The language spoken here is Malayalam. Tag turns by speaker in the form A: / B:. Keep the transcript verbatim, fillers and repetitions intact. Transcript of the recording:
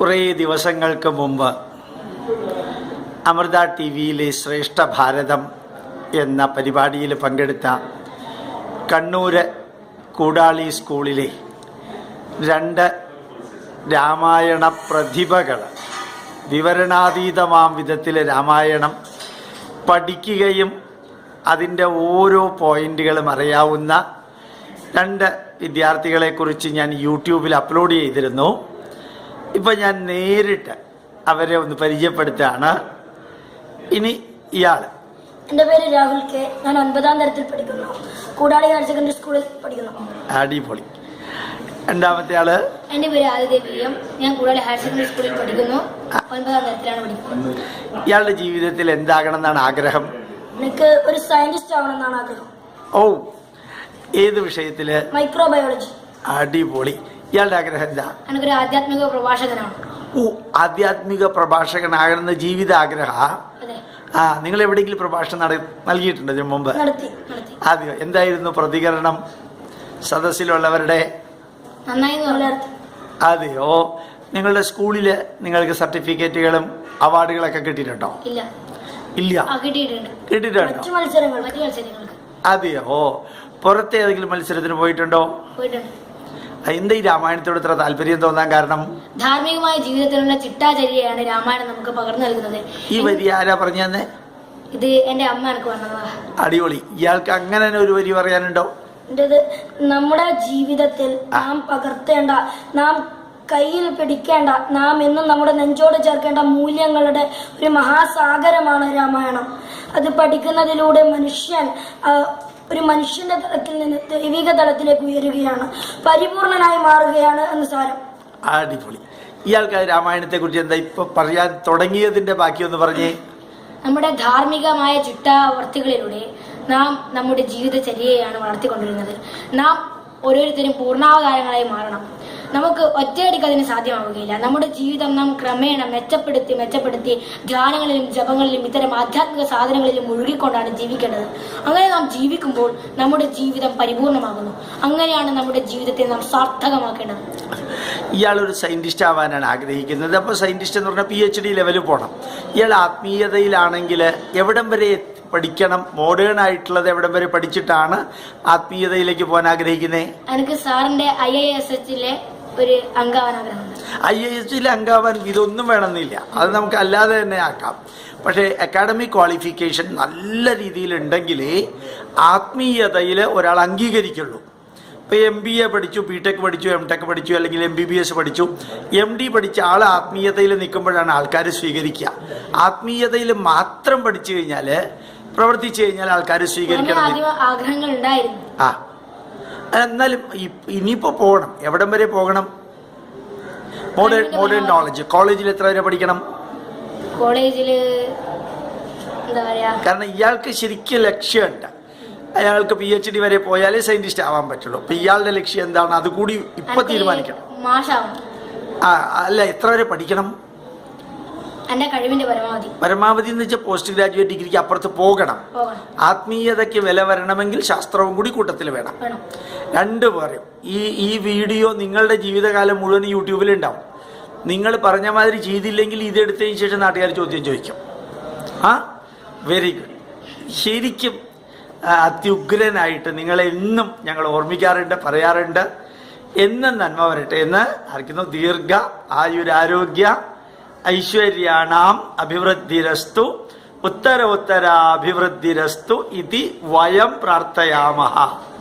A: കുറേ ദിവസങ്ങൾക്ക് മുമ്പ് അമൃത ടി വിയിലെ ശ്രേഷ്ഠ ഭാരതം എന്ന പരിപാടിയിൽ പങ്കെടുത്ത കണ്ണൂർ കൂടാളി സ്കൂളിലെ രണ്ട് രാമായണ പ്രതിഭകൾ വിവരണാതീതമാം വിധത്തിൽ രാമായണം പഠിക്കുകയും അതിൻ്റെ ഓരോ പോയിന്റുകളും അറിയാവുന്ന രണ്ട് വിദ്യാർത്ഥികളെക്കുറിച്ച് ഞാൻ യൂട്യൂബിൽ അപ്ലോഡ് ചെയ്തിരുന്നു. ഇപ്പം ഞാൻ നേരിട്ട് അവരെ ഒന്ന് പരിചയപ്പെടുത്തുകയാണ്. ഇനി ഇയാൾ.
B: എൻ്റെ പേര് രാഹുൽ കെ. ഞാൻ ഒൻപതാം തരത്തിൽ പഠിക്കുന്നു. കൂടാളി ഹയർ സെക്കൻഡറി സ്കൂളിൽ പഠിക്കുന്നു.
A: അടിപൊളി. രണ്ടാമത്തെ ആള്.
B: എൻ്റെ പേര് ആദിദേവിയം. ഞാൻ കൂടാളി ഹയർ സെക്കൻഡറി സ്കൂളിൽ പഠിക്കുന്നു. ഒൻപതാം തരത്തിലാണ് പഠിക്കുന്നത്.
A: ഇയാളുടെ ജീവിതത്തിൽ എന്താകണം എന്നാണ് ആഗ്രഹം?
B: എനിക്ക് ഒരു സയന്റിസ്റ്റ് ആവണം എന്നാണ് ആഗ്രഹം.
A: ഓ, ഏത് വിഷയത്തില്?
B: മൈക്രോബയോളജി.
A: അടിപൊളി. ഇയാളുടെ ആഗ്രഹം എന്താ?
B: എനിക്കൊരു ആധ്യാത്മിക പ്രഭാഷകനാണ്.
A: ഓ, ആധ്യാത്മിക പ്രഭാഷകനാകണമെന്ന ജീവിത ആഗ്രഹ. ആ, നിങ്ങൾ എവിടെയെങ്കിലും പ്രഭാഷണം നട നൽകിയിട്ടുണ്ടോ ഇതിനു മുമ്പ്? ആദ്യം എന്തായിരുന്നു പ്രതികരണം ഇല്ലവരുടെ? അതെയോ? നിങ്ങളുടെ സ്കൂളില് നിങ്ങൾക്ക് സർട്ടിഫിക്കറ്റുകളും അവാർഡുകളൊക്കെ കിട്ടിയിട്ടുണ്ടോ? ഇല്ല. കിട്ടിയിട്ടുണ്ടോ? അതെയോ? പുറത്തെ ഏതെങ്കിലും മത്സരത്തിന് പോയിട്ടുണ്ടോ? എന്താ ഈ രാമായണത്തോട് ഇത്ര താല്പര്യം തോന്നാൻ കാരണം?
B: ധാർമ്മികമായ ജീവിതത്തിലുള്ള ചിട്ടാചര്യയാണ് രാമായണം നമുക്ക് പകർന്നു നൽകുന്നത്.
A: ഈ വരി ആരാ പറഞ്ഞു തന്നെ?
B: ഇത് എന്റെ അമ്മ എനിക്ക് പറഞ്ഞതാ.
A: അടിപൊളി. ഇയാൾക്ക് അങ്ങനെ ഒരു വരി പറയാനുണ്ടോ?
B: നമ്മുടെ ജീവിതത്തിൽ നാം പകർത്തേണ്ട, നാം കയ്യിൽ പിടിക്കേണ്ട, നാം എന്നും നമ്മുടെ നെഞ്ചോട് ചേർക്കേണ്ട മൂല്യങ്ങളുടെ ഒരു മഹാസാഗരമാണ് രാമായണം. അത് പഠിക്കുന്നതിലൂടെ മനുഷ്യൻ ഒരു മനുഷ്യന്റെ തലത്തിൽ നിന്ന് ദൈവിക തലത്തിലേക്ക് ഉയരുകയാണ്, പരിപൂർണനായി മാറുകയാണ് എന്ന് സാരം.
A: അടിപൊളി. ഇയാൾക്ക് രാമായണത്തെ കുറിച്ച് എന്താ ഇപ്പൊ പറയാൻ തുടങ്ങിയതിന്റെ ബാക്കിയൊന്ന് പറഞ്ഞേ.
B: നമ്മുടെ ധാർമ്മികമായ ചിട്ടാവർത്തികളിലൂടെ നാം നമ്മുടെ ജീവിതചര്യയാണ് വളർത്തിക്കൊണ്ടിരുന്നത്. നാം ഓരോരുത്തരും പൂർണ്ണാവതാരങ്ങളായി മാറണം. നമുക്ക് ഒറ്റയടിക്ക് അതിന് സാധ്യമാവുകയില്ല. നമ്മുടെ ജീവിതം നാം ക്രമേണ മെച്ചപ്പെടുത്തി മെച്ചപ്പെടുത്തി ധ്യാനങ്ങളിലും ജപങ്ങളിലും ഇത്തരം ആധ്യാത്മിക സാധനങ്ങളിലും മുഴുകിക്കൊണ്ടാണ് ജീവിക്കേണ്ടത്. അങ്ങനെ നാം ജീവിക്കുമ്പോൾ നമ്മുടെ ജീവിതം പരിപൂർണമാകുന്നു. അങ്ങനെയാണ് നമ്മുടെ ജീവിതത്തെ നാം സാർത്ഥകമാക്കേണ്ടത്.
A: ഇയാളൊരു സയന്റിസ്റ്റ് ആവാനാണ് ആഗ്രഹിക്കുന്നത്. അപ്പോൾ സയന്റിസ്റ്റ് എന്ന് പറഞ്ഞാൽ പി എച്ച് ഡി ലെവലിൽ പോകണം. ഇയാൾ ആത്മീയതയിലാണെങ്കിൽ എവിടം വരെ പഠിക്കണം? മോഡേൺ ആയിട്ടുള്ളത് എവിടം വരെ പഠിച്ചിട്ടാണ് ആത്മീയതയിലേക്ക് പോകാൻ ആഗ്രഹിക്കുന്നത്?
B: എനിക്ക് സാറിന്റെ ഐ ഐ എസ് എച്ചിലെ ഒരു അംഗാവാൻ ആഗ്രഹമുണ്ട്.
A: ഐ ഐ എസിലെ അംഗാവാൻ ഇതൊന്നും വേണമെന്നില്ല, അത് നമുക്ക് അല്ലാതെ തന്നെ ആക്കാം. പക്ഷേ അക്കാഡമിക് ക്വാളിഫിക്കേഷൻ നല്ല രീതിയിലുണ്ടെങ്കിലേ ആത്മീയതയിൽ ഒരാൾ അംഗീകരിക്കുള്ളൂ. ഇപ്പോൾ എം ബി എ പഠിച്ചു, ബി ടെക് പഠിച്ചു, എം ടെക് പഠിച്ചു, അല്ലെങ്കിൽ എം ബി ബി എസ് പഠിച്ചു, എം ഡി പഠിച്ച ആൾ ആത്മീയതയിൽ നിൽക്കുമ്പോഴാണ് ആൾക്കാർ സ്വീകരിക്കുക. ആത്മീയതയിൽ മാത്രം പഠിച്ചു കഴിഞ്ഞാൽ, പ്രവർത്തിച്ചു കഴിഞ്ഞാൽ ആൾക്കാർ സ്വീകരിക്കണം. ആ, എന്നാലും ഇനിയിപ്പോ പോകണം. എവിടം വരെ പോകണം? Modern modern knowledge. കോളേജിൽ എത്ര വരെ പഠിക്കണം?
B: കോളേജില്
A: കാരണം ഇയാൾക്ക് ശരിക്കും ലക്ഷ്യമുണ്ട്. അയാൾക്ക് പി എച്ച് ഡി വരെ പോയാലേ സയന്റിസ്റ്റ് ആവാൻ പറ്റുള്ളൂ. അപ്പൊ ഇയാളുടെ ലക്ഷ്യം എന്താണ്? അതുകൂടി ഇപ്പൊ തീരുമാനിക്കണം. ആ, അല്ല, എത്ര വരെ പഠിക്കണം?
B: പരമാവധി
A: പരമാവധി എന്ന് വെച്ചാൽ പോസ്റ്റ് ഗ്രാജുവേറ്റ് ഡിഗ്രിക്ക് അപ്പുറത്ത് പോകണം. ആത്മീയതയ്ക്ക് വില വരണമെങ്കിൽ ശാസ്ത്രവും കൂടി കൂട്ടത്തിൽ വേണം. രണ്ടു പേരും. ഈ ഈ വീഡിയോ നിങ്ങളുടെ ജീവിതകാലം മുഴുവൻ യൂട്യൂബിൽ ഉണ്ടാവും. നിങ്ങൾ പറഞ്ഞ മാതിരി ചെയ്തില്ലെങ്കിൽ ഇതെടുത്തതിന് ശേഷം നാട്ടുകാർ ചോദ്യം ചോദിക്കും. ആ, വെരി ഗുഡ്. ശരിക്കും അത്യുഗ്രനായിട്ട് നിങ്ങളെ എന്നും ഞങ്ങൾ ഓർമ്മിക്കാറുണ്ട്, പറയാറുണ്ട്. എന്നും നന്മ വരട്ടെ എന്ന് ആർക്കുന്നു. ദീർഘ ആയുരാരോഗ്യ ഐശ്വര്യാണാം അഭിവൃദ്ധിരസ്തു ഉത്തര ഉത്തരാഭിവൃദ്ധിരസ്തു ഇതി വയം പ്രാർത്ഥയാമഹ.